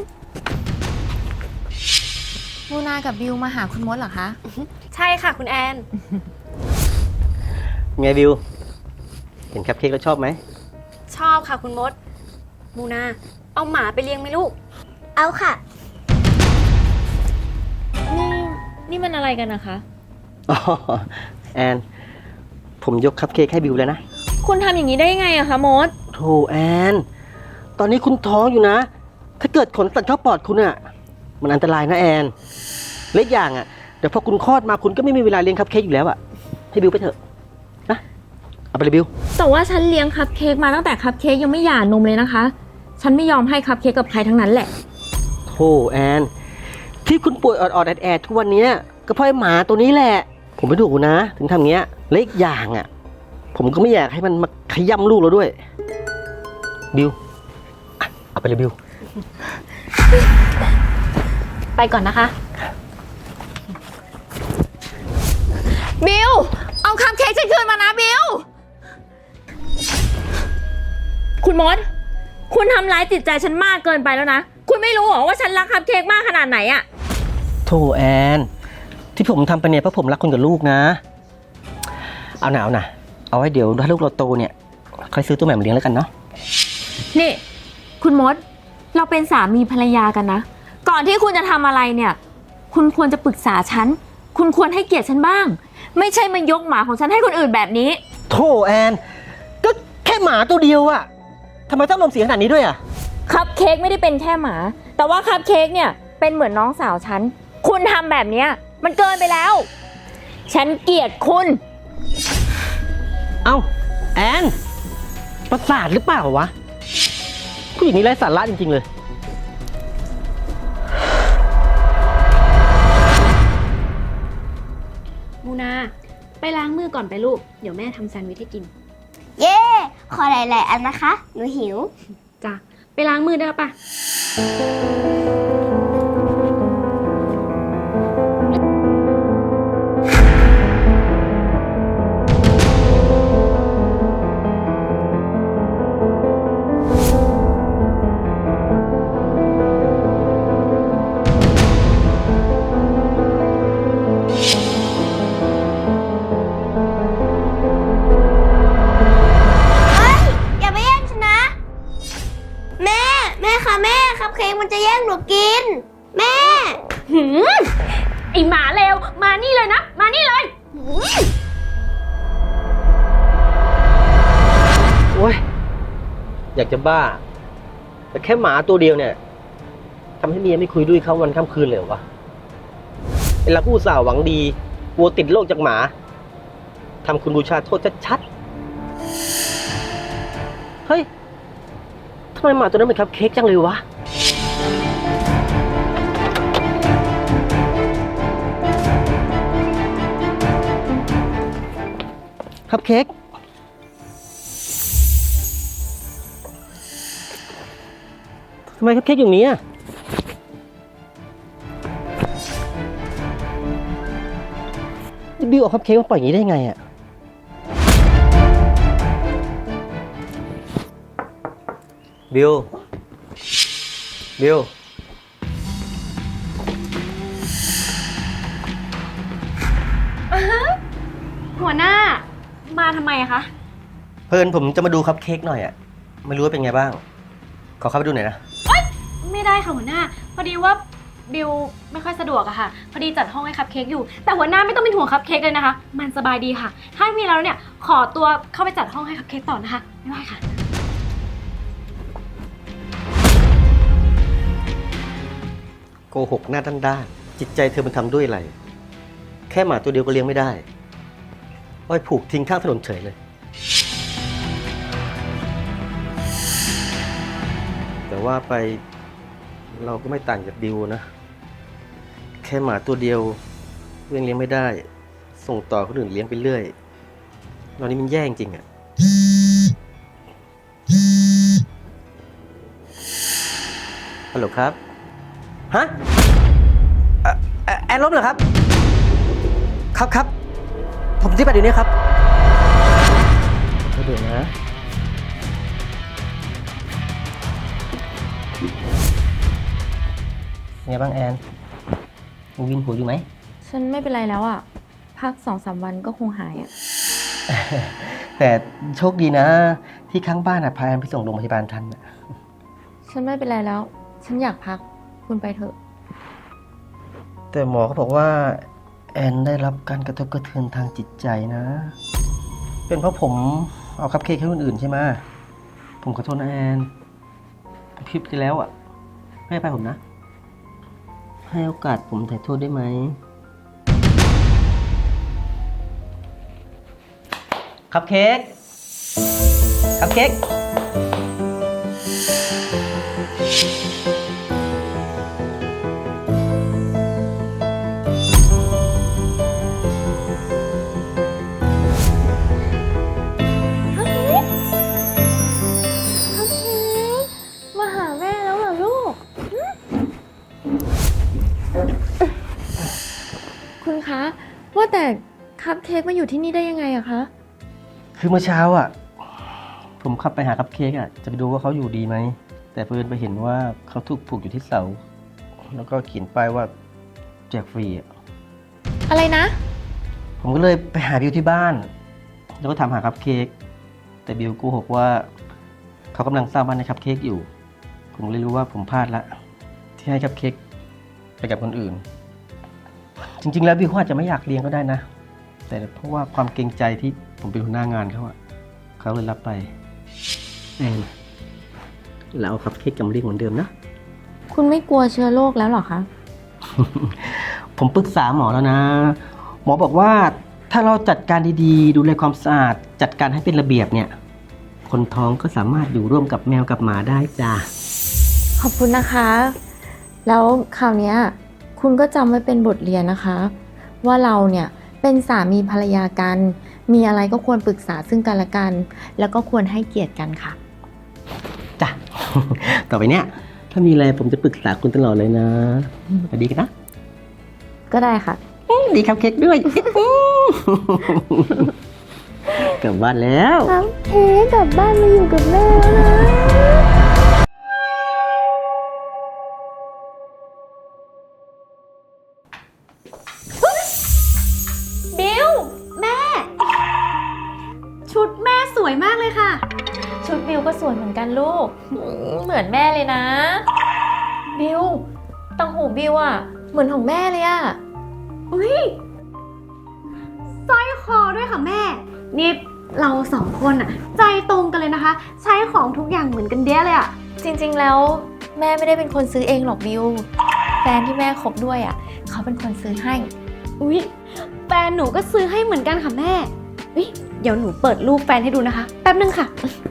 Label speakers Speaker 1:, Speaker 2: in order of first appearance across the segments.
Speaker 1: มูนากับบิวมาหาคุณมดเหรอคะ
Speaker 2: ใช่ค่ะคุณแอน
Speaker 3: ไงบิว เห็นคัพเค้กแล้วชอบไหม
Speaker 2: ชอบค่ะคุณมด มูนาเอาหมาไปเลี้ยงไหมลูก
Speaker 4: เอาค่ะ
Speaker 1: นี่มันอะไรกันนะคะ
Speaker 3: อ๋อ แอน ผมยกคัพเค้กให้บิวแล้วนะ
Speaker 1: คุณทำอย่างนี้ได้ยังไงอะคะมด
Speaker 3: โธ่แอน ตอนนี้คุณท้องอยู่นะ ถ้าเกิดขนตัดเข้าปอดคุณอะมันอันตรายนะแอนเล็กอย่างอะเดี๋ยวพอคุณคลอดมาคุณก็ไม่มีเวลาเลี้ยงคัพเค้กอยู่แล้วอะให้บิวไปเถอะนะ เอาไปเลยบิว
Speaker 1: แต่ว่าฉันเลี้ยงคัพเค้กมาตั้งแต่คัพเค้กยังไม่หย่านมเลยนะคะ ฉันไม่ยอมให้คัพเค้กกับใครทั้งนั้นแหละ
Speaker 3: โธ่แอน ที่คุณป่วยออดๆแอดๆทุกวันนี้ก็เพราะไอ้หมาตัวนี้แหละ ผมไม่ถูกนะ ถึงทำเงี้ยเล็กอย่างอะผมก็ไม่อยากให้มันมาขย้ำลูกเราด้วย บิวอ่ะเอาไปเลยบิว
Speaker 1: ไปก่อนนะคะ บิว เอาคัพเค้กฉันคืนมานะบิว คุณมด คุณทำร้ายจิตใจฉันมากเกินไปแล้วนะ คุณไม่รู้เหรอว่าฉันรักคัพเค้กมากขนาดไหนอะ
Speaker 3: โธ่แอน ที่ผมทำไปเนี่ยเพราะผมรักคุณกับลูกนะ เอาหนาวนะเอาไว้เดี๋ยวถ้าลูกเราโตเนี่ยค่อยซื้อตัวใหม่มาเลี้ยงแล้วกันเนาะ
Speaker 1: นี่ คุณมด เราเป็นสามีภรรยากันนะ ก่อนที่คุณจะทำอะไรเนี่ย คุณควรจะปรึกษาฉัน คุณควรให้เกียรติฉันบ้าง ไม่ใช่มายกหมาของฉันให้คนอื่นแบบนี้
Speaker 3: โธ่แอน ก็แค่หมาตัวเดียวอะทำไมต้องลมเสียงขนาดนี้ด้วยอะ
Speaker 1: คัพเค้กไม่ได้เป็นแค่หมา แต่ว่าคัพเค้กเนี่ยเป็นเหมือนน้องสาวฉัน คุณทำแบบเนี้ยมันเกินไปแล้ว ฉันเกลียดคุณ
Speaker 3: เอ้าแอนประสาทหรือเปล่าวะผู้หญิงนี้ไร้สาระจริงๆเลย
Speaker 2: มูนาไปล้างมือก่อนไปลูก เดี๋ยวแม่ทำแซนด์วิชให้กิน
Speaker 4: เย้ ขอหลายๆอันนะคะ หนูหิว
Speaker 2: จ้ะ ไปล้างมือได้แล้วปะ
Speaker 4: อย่าไปแย่งฉันนะ แม่ แม่ค่ะแม่คัพเค้กมันจะแย่งหนูกิน แม่
Speaker 2: ไอหมาเลวมานี่เลยนะ มานี่เลย
Speaker 3: โอ้ยอยากจะบ้า แต่แค่หมาตัวเดียวเนี่ยทำให้เมียไม่คุยด้วยเขาวันค่ำคืนเลยเหรอวะเวลาผู้สาวหวังดีกลัวติดโรคจากหมาทำคุณบูชาโทษชัดๆเฮ้ยทำไมหมาตัวนั้นเป็นคัพเค้กจังเลยวะคัพเค้กทำไมคัพเค้กอย่างนี้อ่ะบิวเอาคัพเค้กมาปล่อยอย่างนี้ได้ไงอ่ะบิว
Speaker 2: หัวหน้า มาทำไมอะคะ
Speaker 3: เพิ่นผมจะมาดูคัพเค้กหน่อยอ่ะไม่รู้ว่าเป็นไงบ้างขอเข้าไปดูหน่อยนะ
Speaker 2: ไม่ได้ค่ะหัวหน้า พอดีว่าบิวไม่ค่อยสะดวกอะค่ะ พอดีจัดห้องให้คัพเค้กอยู่ แต่หัวหน้าไม่ต้องเป็นห่วงคัพเค้กเลยนะคะ มันสบายดีค่ะ ถ้ามีแล้วเนี่ย ขอตัวเข้าไปจัดห้องให้คัพเค้กต่อนะคะ ไม่ไหวค่ะ
Speaker 3: โกหกหน้าด้านๆจิตใจเธอมันทำด้วยอะไรแค่หมาตัวเดียวก็เลี้ยงไม่ได้อ้อยผูกทิ้งข้างถนนเฉยเลยแต่ว่าไปเราก็ไม่ต่างจากบิวนะ แค่หมาตัวเดียวเลี้ยงไม่ได้ ส่งต่อคนอื่นเลี้ยงไปเรื่อยตอนนี้มันแย่จริงๆอ่ะฮัลโหลครับฮะแอนล้มเหรอครับครับผมที่ไปเดี๋ยวนี้ครับเดี๋ยวนะไงบ้างแอนยังวินหัวอยู่ไหม
Speaker 1: ฉันไม่เป็นไรแล้วอ่ะ พัก2-3 วันก็คงหายอ่ะ
Speaker 3: แต่โชคดีนะ ที่ข้างบ้านพาแอนไปส่งโรงพยาบาลทันน่ะ
Speaker 1: ฉันไม่เป็นไรแล้ว ฉันอยากพัก คุณไปเถอะ
Speaker 3: แต่หมอเขาบอกว่า แอนได้รับการกระทบกระเทือนทางจิตใจนะ เป็นเพราะผมเอาคัพเค้กให้คนอื่นใช่ไหมผมขอโทษนะแอนผมผิดไปแล้วอ่ะให้อภัยผมนะ ให้โอกาสผมถ่ายโทษได้ไหมคัพเค้กคัพเค้ก
Speaker 1: มาหาแม่แล้วเหรอลูก คุณคะ ว่าแต่คัพเค้กมาอยู่ที่นี่ได้ยังไงอะคะ
Speaker 3: คือเมื่อเช้าอ่ะ ผมขับไปหาคัพเค้กอ่ะ จะไปดูว่าเขาอยู่ดีไหม แต่เพิ่นไปเห็นว่าเขาถูกผูกอยู่ที่เสา แล้วก็เขียนป้ายว่าแจกฟรีอ่ะ
Speaker 1: อะไรนะ
Speaker 3: ผมก็เลยไปหาบิวที่บ้าน แล้วก็ถามหาคัพเค้ก แต่บิวโกหกว่า เขากำลังสร้างบ้านในคัพเค้กอยู่ ผมเลยรู้ว่าผมพลาดละ ที่ให้คัพเค้กไปกับคนอื่น จริงๆ แล้วบิวเขาอาจจะไม่อยากเลี้ยงก็ได้นะ แต่เพราะว่าความเกรงใจที่ผมเป็นหัวหน้างานเขาอะเขาเลยรับไปแอนแล้วเอาคัพเค้กกำเลี้ยงเหมือนเดิมนะ
Speaker 1: คุณไม่กลัวเชื้อโรคแล้วเหรอคะ
Speaker 3: ผมปรึกษาหมอแล้วนะ หมอบอกว่าถ้าเราจัดการดีๆ ดูแลความสะอาด จัดการให้เป็นระเบียบเนี่ย คนท้องก็สามารถอยู่ร่วมกับแมวกับหมาได้จ้า
Speaker 1: ขอบคุณนะคะ แล้วคราวเนี้ยคุณก็จำไว้เป็นบทเรียนนะคะ ว่าเราเนี่ยเป็นสามีภรรยากัน มีอะไรก็ควรปรึกษาซึ่งกันและกัน แล้วก็ควรให้เกียรติกันค่ะ
Speaker 3: จ้ะ ต่อไปเนี่ยถ้ามีอะไรผมจะปรึกษาคุณตลอดเลยนะสวัสดีกันนะ
Speaker 1: ก็ได้ค่ะ
Speaker 3: ดีครับเค้กด้วย กลับบ้านแล้ว
Speaker 1: ครับเค้กกลับบ้านมาอยู่กับแม่แล้วนะ
Speaker 2: บิวแม่ ชุดแม่สวยมากเลยค่ะ
Speaker 1: ชุดบิวก็สวยเหมือนกันลูก เหมือนแม่เลยนะ บิวตังหูบิวอะเหมือนของแม่เลยอะ
Speaker 2: อุ้ยสร้อยคอด้วยค่ะแม่ นี่เราสองคนอะใจตรงกันเลยนะคะ ใช้ของทุกอย่างเหมือนกันเด้เลยอะ
Speaker 1: จริงๆแล้วแม่ไม่ได้เป็นคนซื้อเองหรอกบิว แฟนที่แม่คบด้วยอะเขาเป็นคนซื้อให้
Speaker 2: อุ้ยแฟนหนูก็ซื้อให้เหมือนกันค่ะแม่อุ๊ยเดี๋ยวหนูเปิดรูปแฟนให้ดูนะคะ แป๊บนึงค่ะ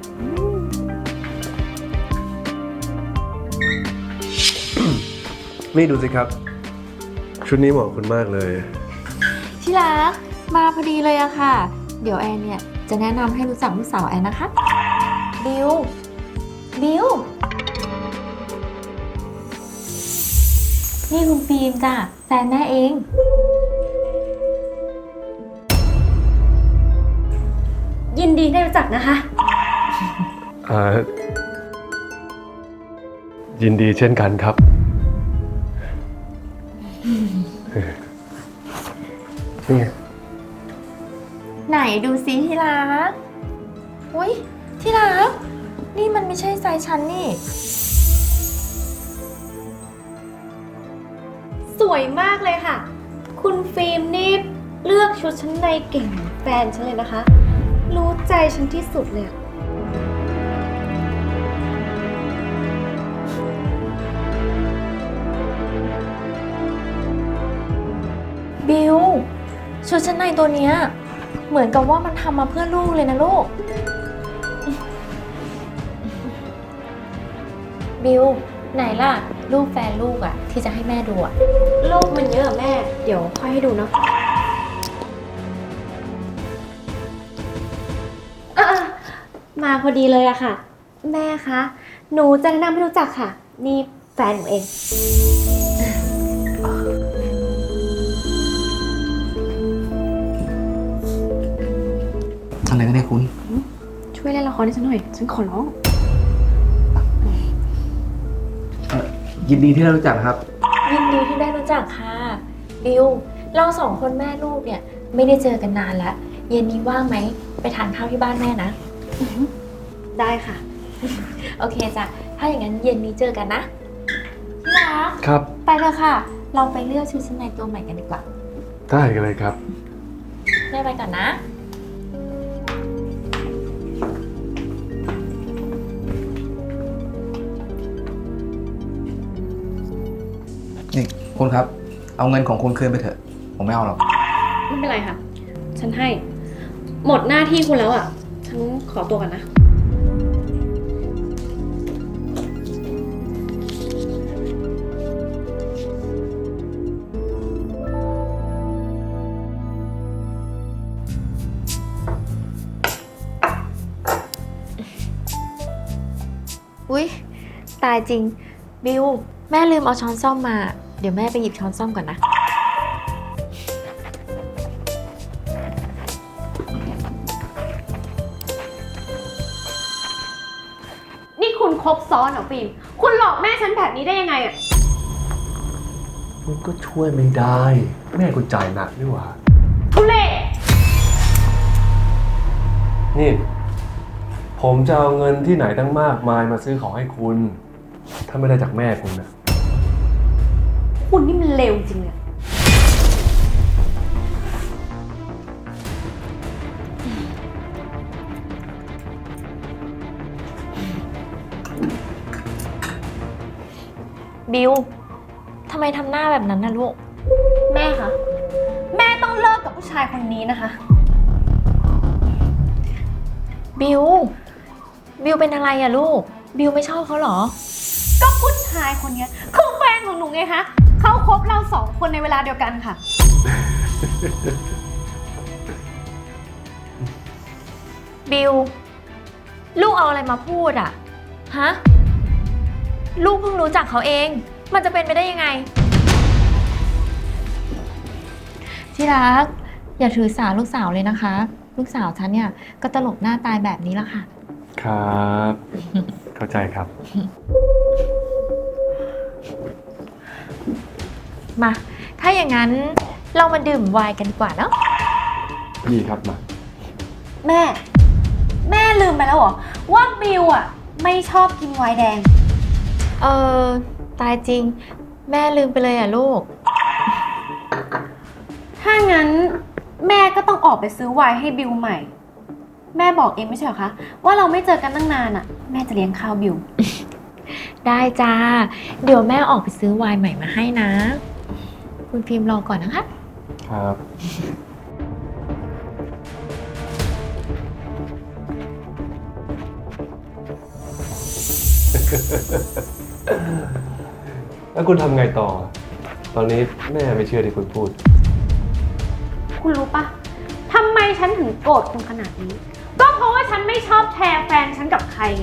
Speaker 5: นี่ดูสิครับ ชุดนี้เหมาะกับคุณมากเลย
Speaker 1: ที่รักมาพอดีเลยอะค่ะ เดี๋ยวแอนเนี่ยจะแนะนำให้รู้จักลูกสาวแอนนะคะ บิว บิว นี่คุณฟิล์มจ้ะแฟนแม่เอง
Speaker 2: ยินดีได้รู้จักนะคะ
Speaker 5: ยินดีเช่นกันครับ นี่ไง
Speaker 1: ไหนดูซิที่รักอุ้ยที่รัก นี่มันไม่ใช่ไซส์ฉันนี่
Speaker 2: สวยมากเลยค่ะ คุณฟิล์มนี่เลือกชุดชั้นในเก่งเหมือนแฟนฉันเลยนะคะ รู้ใจฉันที่สุดเลยอะ
Speaker 1: บิวชุดชั้นในตัวเนี้ยเหมือนกับว่ามันทำมาเพื่อลูกเลยนะลูก บิวไหนล่ะรูปแฟนลูกอะที่จะให้แม่ดูอะ
Speaker 2: โลกมันเยอะอะแม่ เดี๋ยวค่อยให้ดูเนาะมาพอดีเลยอะค่ะ แม่คะ หนูจะแนะนำให้รู้จักค่ะ นี่แฟนหนูเอง
Speaker 6: อะไรกันเนี่ยคุณ
Speaker 2: ช่วยเล่นละครให้ฉันหน่อย ฉันขอร้อง
Speaker 6: ยินดีที่ได้รู้จักครับ
Speaker 2: ยิน
Speaker 1: ากค่ะบิวเราสองคนแม่ลูกเนี่ยไม่ได้เจอกันนานแล้วเย็นนี้ว่างไหมไปทานข้าวที่บ้านแม่นะ
Speaker 2: ได้ค่ะ
Speaker 1: โอเคจ้ะถ้าอย่างนั้นเย็นนี้เจอกันนะที่รัก
Speaker 5: ครับ
Speaker 1: ไปเถอะค่ะ เราไปเลือกชุดชั้นในตัวใหม่กันดีกว่า
Speaker 5: ได้กันเลยครับ
Speaker 1: แม่ไปก่อนนะ
Speaker 6: นี่คุณครับ เอาเงินของคุณคืนไปเถอะ ผมไม่เอาหรอก
Speaker 2: ไม่เป็นไรค่ะ ฉันให้ หมดหน้าที่คุณแล้วอ่ะ ฉันขอตัวกันนะ
Speaker 1: อุ๊ย ตายจริง บิว แม่ลืมเอาช้อนส้อมมา เดี๋ยวแม่ไปหยิบช้อนส้อมก่อนนะ
Speaker 2: นี่คุณครบซ้อนเหรอฟิล์มคุณหลอกแม่ฉันแบบนี้ได้ยังไงอ่ะ
Speaker 5: คุณก็ช่วยไม่ได้ แม่คุณจ่ายหนักนี่หว่า
Speaker 2: ทุเล่
Speaker 5: นี่ ผมจะเอาเงินที่ไหนตั้งมากมายมาซื้อของให้คุณ ถ้าไม่ได้จากแม่คุณนะ
Speaker 2: คุณนี่มันเลวจริงเลย
Speaker 1: บิว ทำไมทำหน้าแบบนั้นนะลูก
Speaker 2: แม่คะ แม่ต้องเลิกกับผู้ชายคนนี้นะคะ
Speaker 1: บิว บิวเป็นอะไรอะลูก บิวไม่ชอบเขาเหรอ
Speaker 2: ก็ผู้ชายคนนี้คือแฟนของหนูไงคะ เขาคบเราสองคนในเวลาเดียวกันค่ะ
Speaker 1: บิว ลูกเอาอะไรมาพูดอะฮะ ลูกเพิ่งรู้จักเขาเอง มันจะเป็นไปได้ยังไง ที่รัก อย่าถือสาลูกสาวเลยนะคะ ลูกสาวฉันเนี่ยก็ตลกหน้าตายแบบนี้ละค่ะ
Speaker 5: ครับ เข้าใจครับ
Speaker 1: มา ถ้าอย่างนั้นเรามาดื่มไวน์กันดีกว่าเนาะ
Speaker 5: ดีครับมา
Speaker 2: แม่ แม่ลืมไปแล้วเหรอ ว่าบิวอ่ะ ไม่ชอบกินไวน์แดง
Speaker 1: เออ ตายจริง แม่ลืมไปเลยอ่ะลูก
Speaker 2: ถ้างั้นแม่ก็ต้องออกไปซื้อไวน์ให้บิวใหม่ แม่บอกเองไม่ใช่เหรอคะ ว่าเราไม่เจอกันตั้งนานอ่ะ แม่จะเลี้ยงข้าวบิว
Speaker 1: ได้จ้า เดี๋ยวแม่ออกไปซื้อไวน์ใหม่มาให้นะ คุณฟิล์มรอก่อนนะคะ
Speaker 5: ครับ แล้วคุณทำไงต่อ ตอนนี้แม่ไม่เชื่อที่คุณพูด
Speaker 2: คุณรู้ปะทำไมฉันถึงโกรธคุณขนาดนี้ ก็เพราะว่าฉันไม่ชอบแชร์แฟนฉันกับใครไง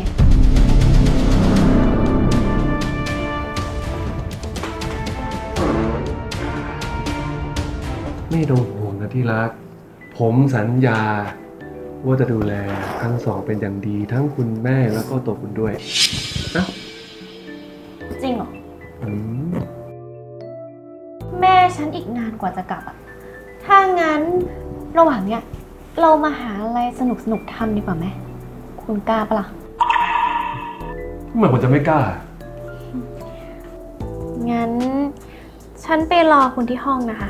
Speaker 5: ไม่ต้องห่วงนะที่รัก ผมสัญญาว่าจะดูแลทั้งสองเป็นอย่างดี ทั้งคุณแม่แล้วก็ตัวคุณด้วยนะ
Speaker 2: จริงเหรอ
Speaker 5: อืม
Speaker 2: แม่ฉันอีกนานกว่าจะกลับอ่ะ ถ้างั้นระหว่างเนี้ยเรามาหาอะไรสนุกๆทำดีกว่าไหม คุณกล้าปะล่ะ
Speaker 5: ทำไมผมจะไม่กล้า
Speaker 2: งั้น ฉันไปรอคุณที่ห้องนะคะ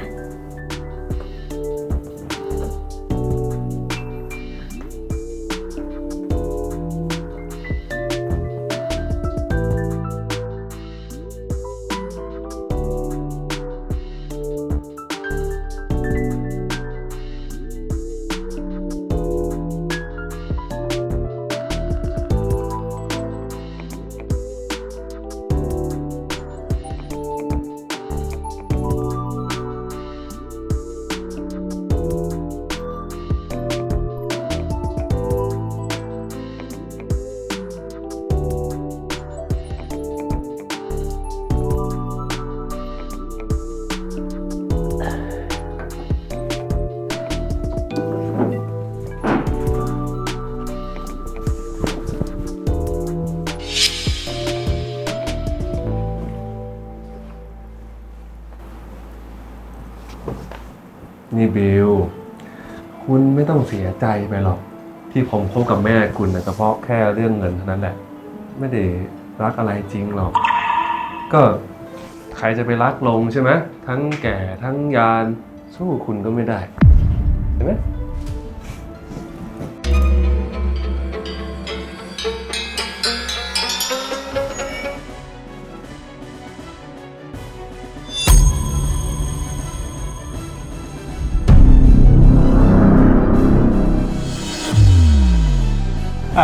Speaker 5: บิลคุณไม่ต้องเสียใจไปหรอกที่ผมคบกับแม่คุณนะเฉพาะแค่เรื่องเงินเท่านั้นแหละไม่ได้รักอะไรจริงหรอกก็ใครจะไปรักลงใช่ไหมทั้งแก่ทั้งยานสู้คุณก็ไม่ได้เห็นไหมแอน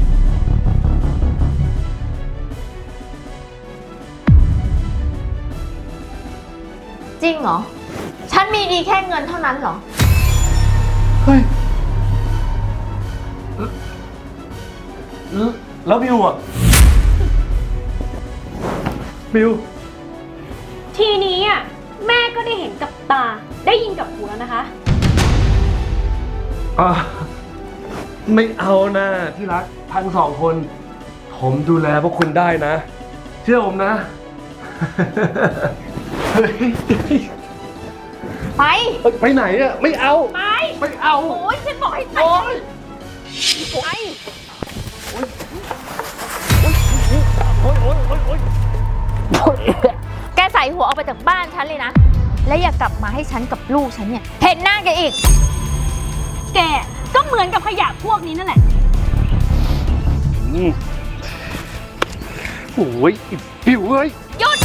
Speaker 1: จริงเหรอ ฉันมีดีแค่เงินเท่านั้นเหรอ
Speaker 5: เฮ้ยแล้วบิวอ่ะบิว
Speaker 2: ทีนี้อ่ะแม่ก็ได้เห็นกับตาได้ยินกับหูแล้วนะคะ
Speaker 5: ไม่เอานะที่รักทั้งสองคน ผมดูแลพวกคุณได้นะ เชื่อผมนะ เฮ้ย
Speaker 1: ไป
Speaker 5: ไปไหนอะไม่เอา
Speaker 1: ไป
Speaker 5: ไม่เอา
Speaker 1: โอ้ยฉันบอกให้ไปไป แกใส่หัวออกไปจากบ้านฉันเลยนะ และอย่ากลับมาให้ฉันกับลูกฉันเนี่ยเห็นหน้าแกอีก
Speaker 2: แกก็เหมือนกับขยะพวกนี้นั่นแหละ
Speaker 5: โอ้ยบิวเอ้ย
Speaker 1: หยุด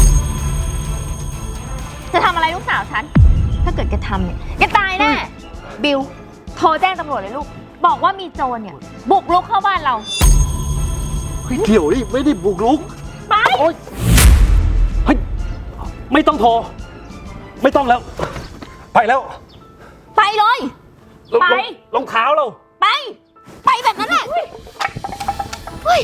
Speaker 1: จะทำอะไรลูกสาวฉัน ถ้าเกิดแกทำเนี่ยแกตายแน่ บิล โทรแจ้งตำรวจเลยลูก บอกว่ามีโจรเนี่ย บุกรุกเข้าบ้านเรา
Speaker 3: เดี๋ยวนี่ไม่ได้บุกรุก
Speaker 1: ไป
Speaker 3: โอ๊ยเฮ้ยไม่ต้องโทร ไม่ต้องแล้ว ไปแล้ว
Speaker 1: ไปเลย ไป
Speaker 3: รองเท้าเรา
Speaker 1: ไป ไปแบบนั้นแหละเฮ้ย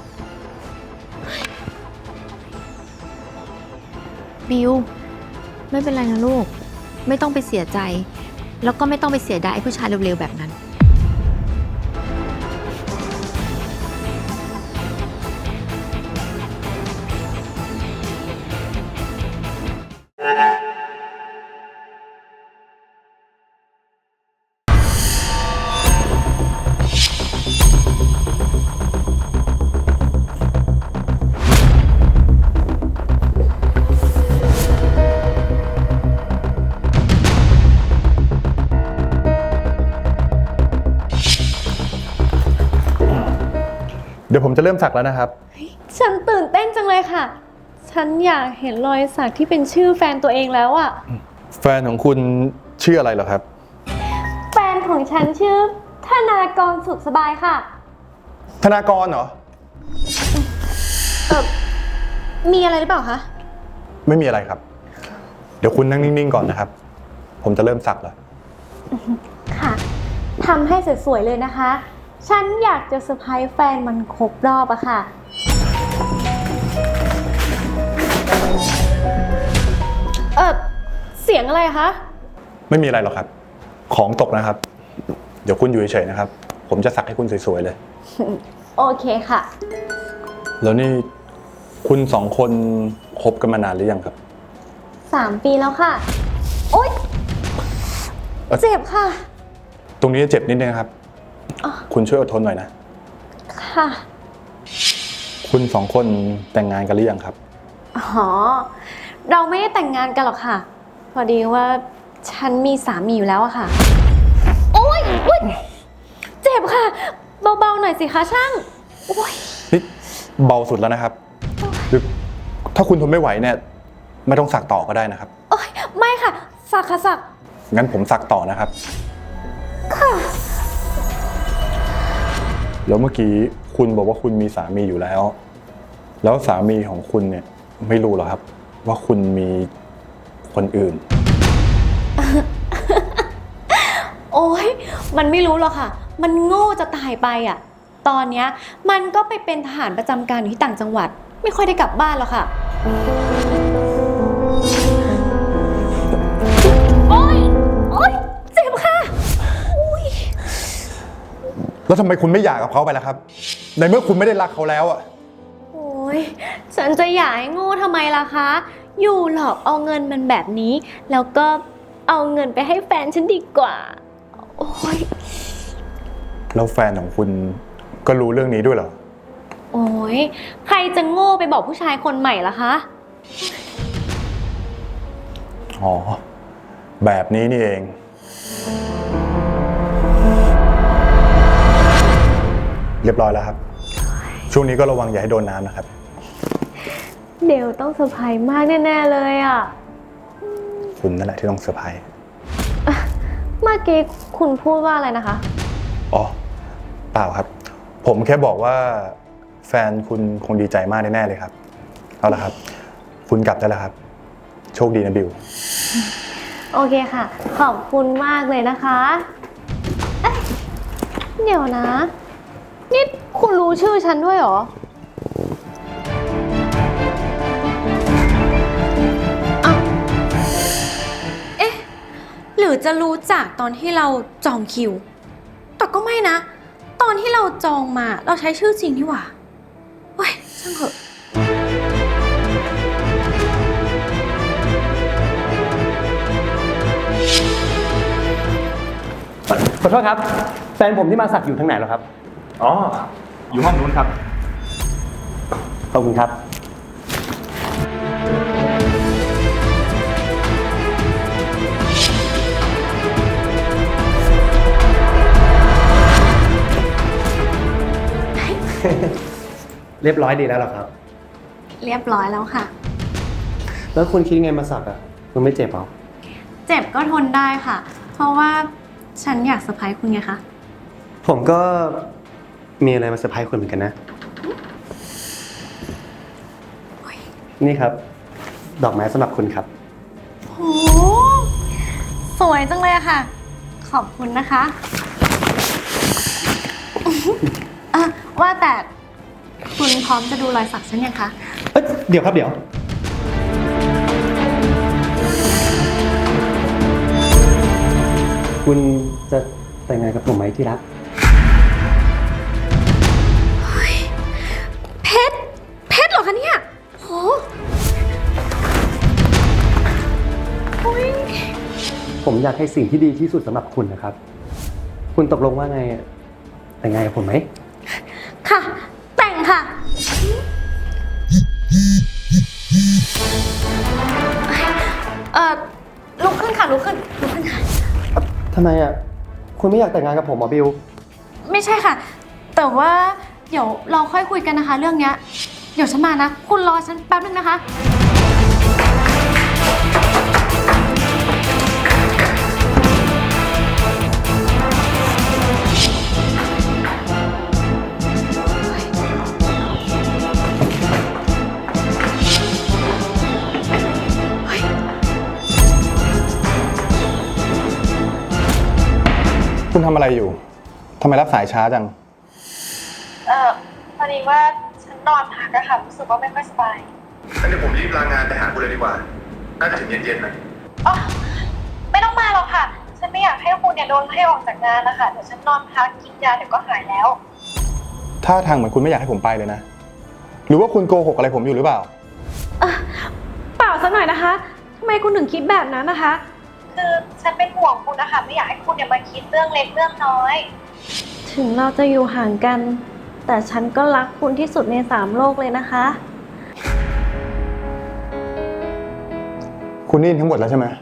Speaker 1: บิล ไม่เป็นไรนะลูก ไม่ต้องไปเสียใจ แล้วก็ไม่ต้องไปเสียดายไอ้ผู้ชายเร็วๆแบบนั้น
Speaker 7: เดี๋ยวผมจะเริ่มสักแล้วนะครับ
Speaker 2: ฉันตื่นเต้นจังเลยค่ะ ฉันอยากเห็นรอยสักที่เป็นชื่อแฟนตัวเองแล้วอะ
Speaker 7: แฟนของคุณชื่ออะไรเหรอครับ
Speaker 2: แฟนของฉันชื่อธนากรสุขสบายค่ะ
Speaker 7: ธนากรเหรอ
Speaker 2: มีอะไรหรือเปล่าคะ
Speaker 7: ไม่มีอะไรครับ เดี๋ยวคุณนั่งนิ่งๆก่อนนะครับ ผมจะเริ่มสักแล้ว
Speaker 2: ค่ะ ทำให้สวยๆเลยนะคะ ฉันอยากจะเซอร์ไพรส์แฟนมันครบรอบอะค่ะ เสียงอะไรคะ
Speaker 7: ไม่มีอะไรหรอกครับ ของตกนะครับ เดี๋ยวคุณอยู่เฉยๆนะครับ ผมจะสักให้คุณสวยๆเลย
Speaker 2: โอเคค่ะ
Speaker 7: แล้วนี่คุณสองคนคบกันมานานหรือยังครับ
Speaker 2: 3 ปีแล้วค่ะ โอ๊ย เจ็บค่ะ
Speaker 7: ตรงนี้เจ็บนิดนึงครับ คุณช่วยอดทนหน่อยนะ
Speaker 2: ค่ะ
Speaker 7: คุณสองคนแต่งงานกันหรือยังครับ
Speaker 2: อ๋อ เราไม่ได้แต่งงานกันหรอกค่ะ พอดีว่าฉันมีสามีอยู่แล้วอะค่ะ โอ๊ยอุ๊ยเจ็บค่ะ เบาๆหน่อยสิคะช่าง โอ๊ย
Speaker 7: นี่เบาสุดแล้วนะครับหรือถ้าคุณทนไม่ไหวเนี่ย ไม่ต้องสักต่อก็ได้นะครับ
Speaker 2: โอ๊ย ไม่ค่ะ สักค่ะสัก
Speaker 7: งั้นผมสักต่อนะครับ
Speaker 2: ค่ะ
Speaker 7: แล้วเมื่อกี้คุณบอกว่าคุณมีสามีอยู่แล้ว แล้วสามีของคุณเนี่ยไม่รู้หรอครับ ว่าคุณมีคนอื่น
Speaker 2: โอ๊ย มันไม่รู้หรอกค่ะ มันโง่จะตายไปอ่ะ ตอนเนี้ยมันก็ไปเป็นทหารประจำการอยู่ที่ต่างจังหวัด ไม่ค่อยได้กลับบ้านหรอกค่ะ โอ๊ย โอ๊ย เจ็บค่ะ
Speaker 7: แล้วทำไมคุณไม่หย่ากับเขาไปล่ะครับ ในเมื่อคุณไม่ได้รักเขาแล้วอะ
Speaker 2: โอ๊ย ฉันจะหย่าให้โง่ทำไมล่ะคะ อยู่หลอกเอาเงินมันแบบนี้ แล้วก็เอาเงินไปให้แฟนฉันดีกว่า โอ้ย
Speaker 7: แล้วแฟนของคุณก็รู้เรื่องนี้ด้วยเหรอ
Speaker 2: โอ้ยใครจะโง่ไปบอกผู้ชายคนใหม่ล่ะคะ
Speaker 7: อ๋อ แบบนี้นี่เอง เรียบร้อยแล้วครับ ช่วงนี้ก็ระวังอย่าให้โดนน้ำนะครับ
Speaker 2: เดวต้องเซอร์ไพรส์มากแน่ๆเลยอ่ะ
Speaker 7: คุณนั่นแหละที่ต้องเซอร์ไพรส์
Speaker 2: เมื่อกี้คุณพูดว่าอะไรนะคะ
Speaker 7: อ๋อ เปล่าครับ ผมแค่บอกว่าแฟนคุณคงดีใจมากแน่ๆเลยครับ เอาละครับ คุณกลับได้แล้วครับ โชคดีนะบิว
Speaker 2: โอเคค่ะ ขอบคุณมากเลยนะคะเอ๊ะเดี๋ยวนะ นี่คุณรู้ชื่อฉันด้วยเหรอ
Speaker 8: หรือจะรู้จักตอนที่เราจองคิว แต่ก็ไม่นะ ตอนที่เราจองมาเราใช้ชื่อจริงนี่หว่าเว้ยช่างเถอะ
Speaker 3: ขอโทษครับ แฟนผมที่มาสักอยู่ทางไหนแล้วครับ
Speaker 9: อ๋อ อยู่ห้องนู้นครับ
Speaker 3: ขอบคุณครับ เรียบร้อยดีแล้วเหรอครับ
Speaker 8: เรียบร้อยแล้วค่ะ
Speaker 3: แล้วคุณคิดไงมาสักอ่ะคุณไม่เจ็บหรอ
Speaker 8: เจ็บก็ทนได้ค่ะ เพราะว่าฉันอยากเซอร์ไพรส์คุณไงคะ
Speaker 3: ผมก็มีอะไรมาเซอร์ไพรส์คุณเหมือนกันนะ นี่ครับ ดอกไม้สำหรับคุณครับ
Speaker 8: โห สวยจังเลยอะค่ะ ขอบคุณนะคะว่าแต่คุณพร้อมจะดูรอยสักฉันยังคะ
Speaker 3: เดี๋ยวครับเดี๋ยว คุณจะแต่งงานกับผมไหมที่รัก
Speaker 8: เพชร เพชรเหรอคะเนี่ยโหโอ้ย
Speaker 3: ผมอยากให้สิ่งที่ดีที่สุดสำหรับคุณนะครับ คุณตกลงว่าไงแต่งงานกับผมไหม
Speaker 8: ค่ะ แต่งค่ะ ลุกขึ้นค่ะ ลุกขึ้นค่ะ
Speaker 3: ทำไมอ่ะ คุณไม่อยากแต่งงานกับผมหรอบิว
Speaker 8: ไม่ใช่ค่ะ แต่ว่าเดี๋ยวเราค่อยคุยกันนะคะ เรื่องเนี้ย เดี๋ยวฉันมานะ คุณรอฉันแป๊บนึงนะคะ
Speaker 7: คุณทำอะไรอยู่ ทำไมรับสายช้าจัง
Speaker 2: พอดีว่าฉันนอนพักอะค่ะรู้สึกว่าไม่ค่อยสบาย
Speaker 9: งั้นเดี๋ยวผมรีบลางานไปหาคุณเลยดีกว่า น่าจะถึงเย็นๆนะ
Speaker 2: อ๋อ ไม่ต้องมาหรอกค่ะ ฉันไม่อยากให้คุณเนี่ยโดนให้ออกจากงานนะคะ เดี๋ยวฉันนอนพักกินยาเดี๋ยวก็หายแล้ว
Speaker 7: ท่าทางเหมือนคุณไม่อยากให้ผมไปเลยนะ หรือว่าคุณโกหกอะไรผมอยู่หรือเปล่า
Speaker 2: เปล่าสักหน่อยนะคะ ทำไมคุณถึงคิดแบบนั้นนะคะ คือฉันเป็นห่วงคุณนะคะ ไม่อยากให้คุณเนี่ยมาคิดเรื่องเล็กเรื่องน้อย ถึงเราจะอยู่ห่างกัน แต่ฉันก็รักคุณที่สุดใน3 โลกเลยนะคะ
Speaker 7: คุณได้ยินทั้งหมดแล้วใช่ไหม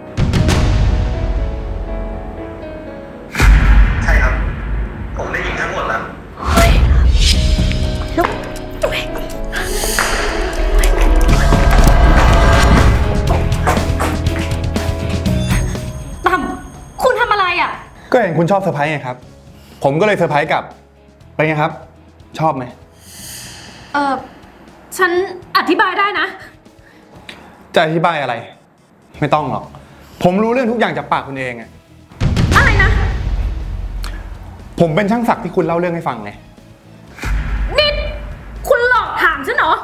Speaker 9: ใช่ครับ ผมได้ยินทั้งหมดแล้ว
Speaker 8: ตั้มคุณทำอะไรอ่ะ
Speaker 7: ก็เห็นคุณชอบเซอร์ไพรส์ไงครับ ผมก็เลยเซอร์ไพรส์กลับ เป็นไงครับ ชอบไหม
Speaker 8: ฉันอธิบายได้นะ
Speaker 7: จะอธิบายอะไร ไม่ต้องหรอก ผมรู้เรื่องทุกอย่างจากปากคุณเองอะ
Speaker 8: อะไรนะ
Speaker 7: ผมเป็นช่างศักดิ์ที่คุณเล่าเรื่องให้ฟังไง
Speaker 8: นี่คุณหลอกถามฉันเหรอ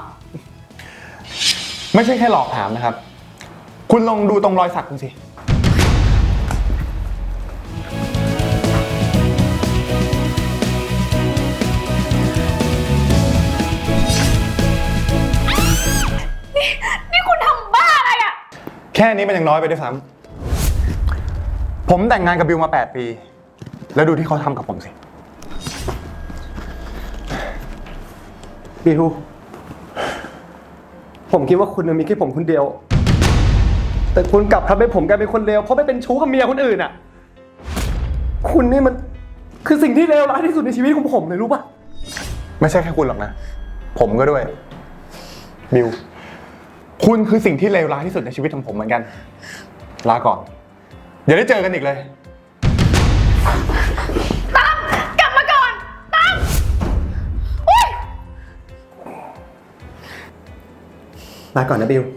Speaker 7: ไม่ใช่แค่หลอกถามนะครับ คุณลองดูตรงรอยสักคุณสิ
Speaker 8: นี่คุณทำบ้าอะไรอ่ะ
Speaker 7: แค่นี้มันยังน้อยไปด้วยซ้ผมแต่งงานกับบิวมา 8 ปี แล้วดูที่เขาทำกับผมสิ
Speaker 5: บิว ผมคิดว่าคุณมีแค่ผมคนเดียว แต่คุณกลับทำให้ผมกลายเป็นคนเลวเพราะไปเป็นชู้กับเมียคนอื่นอ่ะ คุณนี่มันคือสิ่งที่เลวร้ายที่สุดในชีวิตของผมเลยรู้ปะ
Speaker 7: ไม่ใช่แค่คุณหรอกนะ ผมก็ด้วย บิว คุณคือสิ่งที่เลวร้ายที่สุดในชีวิตของผมเหมือนกัน ลาก่อน อย่าได้เจอกันอีกเลย
Speaker 8: กลับมาก่อนตั้มอุ้ย
Speaker 5: ลาก่อนนะบิว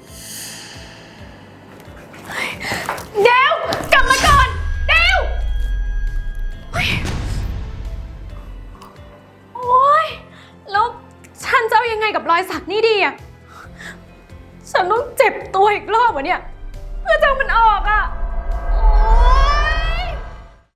Speaker 8: เดวกลับมาก่อนเดวโอ๊ยแล้วฉันจะเอายังไงกับรอยสักนี่ดีอะฉันต้องเจ็บตัวอีกรอบวะเนี่ยเพื่อจะเอามันออกอะ